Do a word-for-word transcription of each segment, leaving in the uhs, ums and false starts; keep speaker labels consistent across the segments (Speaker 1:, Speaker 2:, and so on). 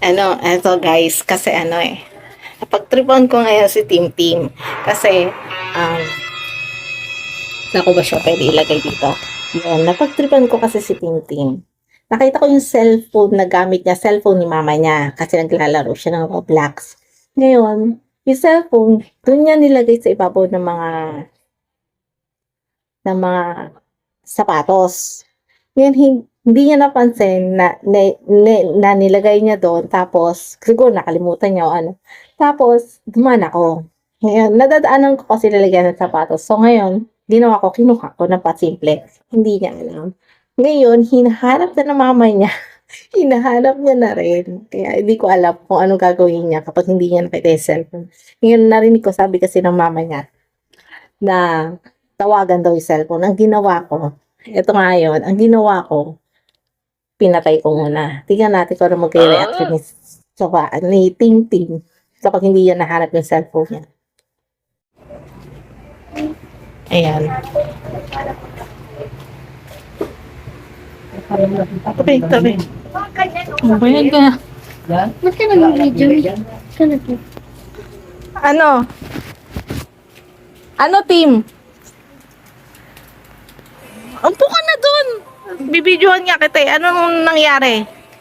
Speaker 1: Ano, eto guys, kasi ano eh, napagtripan ko ngayon si Tim Tim. Kasi, um, naku ba siya pwede ilagay dito? Yun, napagtripan ko kasi si Tim Tim. Nakita ko yung cellphone na gamit niya, cellphone ni mama niya, kasi naglalaro siya ng Roblox. Ngayon, yung cellphone, doon niya nilagay sa ibabaw ng mga ng mga sapatos. Ngayon, hin- hindi niya napansin na, na, na, na nilagay niya doon. Tapos, siguro nakalimutan niya o ano. Tapos, dumaan ako. Ngayon, nadadaanan ko kasi nilagyan ng sapatos. So, ngayon, ginawa ko, kinuha ko na pasimple. Hindi niya alam. Ngayon, hinahanap na ng mama niya. Hinahanap niya na rin. Kaya hindi ko alam kung anong gagawin niya kapag hindi niya nakita yung cellphone. Ngayon, narinig ko, sabi kasi ng mama niya na tawagan daw yung cellphone. Ang ginawa ko, ito nga yun, ang ginawa ko, pinatay ko muna. Tingnan natin kung ano mag-reaction ni, so, ni Ting Ting kapag hindi niya nahanap yung cellphone niya. Ayan. Tabi, tabi.
Speaker 2: Mabayad ka na. Ba't ka nag-video? Ka na po.
Speaker 1: Ano? Ano, Tim? Umpo ka na dun. Bibidyohan nga kita eh. Anong nangyari?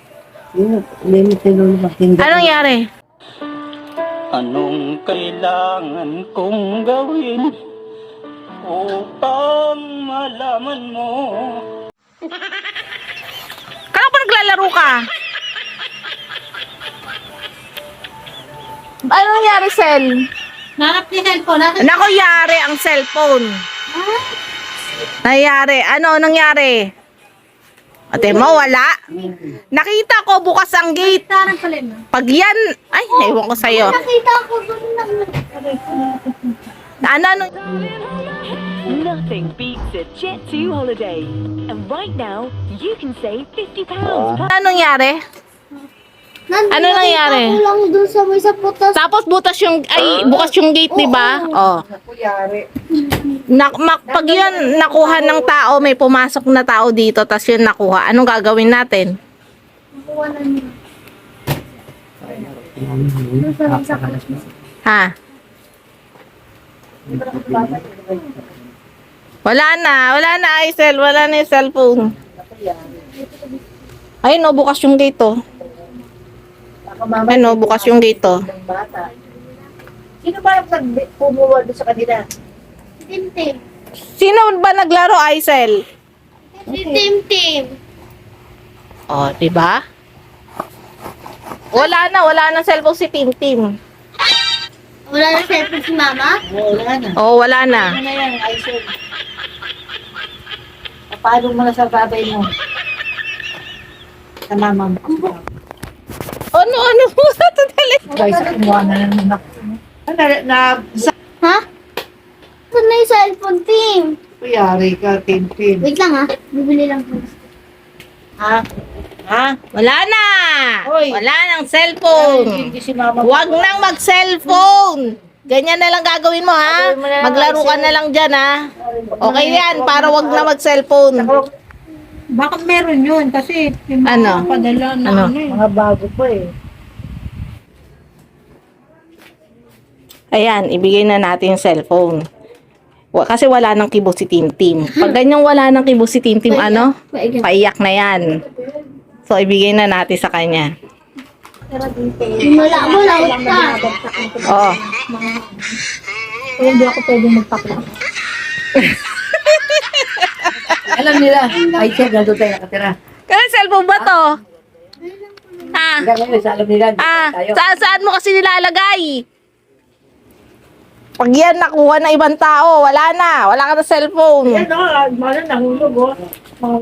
Speaker 1: Anong nangyari?
Speaker 3: Anong kailangan kong gawin upang malaman mo?
Speaker 1: Kala ko naglalaro ka? Ano nangyari, Sel?
Speaker 2: Nanap ni cellphone. Nanap.
Speaker 1: Nako, yari ang cellphone. Nangyari. Ano nangyari? Ate mo, wala. Nakita ko bukas ang gate.
Speaker 2: Tarang pala mo.
Speaker 1: Pag yan, ay, naiwan ko sa'yo.
Speaker 2: Nakita ko doon lang.
Speaker 1: Ano, ano?
Speaker 4: Nothing beats a Jet two holiday. And right now, you can save fifty pounds per...
Speaker 1: Ano nangyari?
Speaker 2: Nandun,
Speaker 1: Ano nangyari?
Speaker 2: Nakita ko lang doon sa may sa putas.
Speaker 1: Tapos butas yung, ay, bukas yung gate, di ba? Oh. Na, mak, pag yun nakuha ng tao, may pumasok na tao dito, tas yun nakuha, anong gagawin natin?
Speaker 2: Nakuha na niya. Doon sa may sa putas.
Speaker 1: Ha? Wala na, wala na, Aisel, wala na yung cellphone. Ay, no, bukas yung gate, oh. Ay, no, bukas yung gate, oh.
Speaker 5: Sino ba nag-pumuha doon sa kanila?
Speaker 2: Si Tim Tim.
Speaker 1: Sino ba naglaro, Aisel?
Speaker 2: Si Tim Tim.
Speaker 1: Oh, di ba? Wala na, wala na cellphone si Tim Tim.
Speaker 2: Wala na cellphone si Mama?
Speaker 5: Wala na.
Speaker 1: Oh, wala na.
Speaker 5: Ano na yan, Aisel? Paano mo na sa babay mo? Sa mama mo.
Speaker 1: Ano, ano mo sa totally?
Speaker 5: Guys, kumuha na ng anak. Na, na, sa
Speaker 2: Ha? Saan na yung cellphone, Tim?
Speaker 5: kuyari ka, Tintin.
Speaker 2: Wait lang ha. Bibili lang po.
Speaker 5: Ha? Ha?
Speaker 1: Wala na!
Speaker 5: Hoy.
Speaker 1: Wala nang cellphone!
Speaker 5: Hindi si mama.
Speaker 1: Huwag nang mag-cellphone! Ganyan na lang gagawin mo, ha?
Speaker 5: Gagawin mo na lang,
Speaker 1: Maglaro ka na lang dyan, ha? Okay yan, para wag na mag-cellphone.
Speaker 6: Baka meron yun kasi yung mga
Speaker 1: Ano?
Speaker 6: padala na
Speaker 1: Ano?
Speaker 6: ano, eh.
Speaker 5: Mga bago pa eh.
Speaker 1: Ayan, ibigay na natin yung cellphone. Wa- Kasi wala nang kibo si Tim Tim. Pag ganyang wala nang kibo si Tim Tim, ano?
Speaker 2: Paigan.
Speaker 1: Paiyak na yan. So, ibigay na natin sa kanya.
Speaker 2: Wala mo, lawat ka.
Speaker 1: Oo.
Speaker 6: Kaya hindi ako pwede magpakla.
Speaker 5: Alam nila, ay siya, nandun tayo nakatira.
Speaker 1: Kaya cellphone ba to? Ha?
Speaker 5: Hanggang ngayon, sa alam nila, nandun
Speaker 1: Ah,
Speaker 5: tayo.
Speaker 1: saan, saan mo kasi nilalagay? Pag yan nakuha na ibang tao, wala na. Wala ka na cellphone.
Speaker 5: Yan o, ano, nahulog o.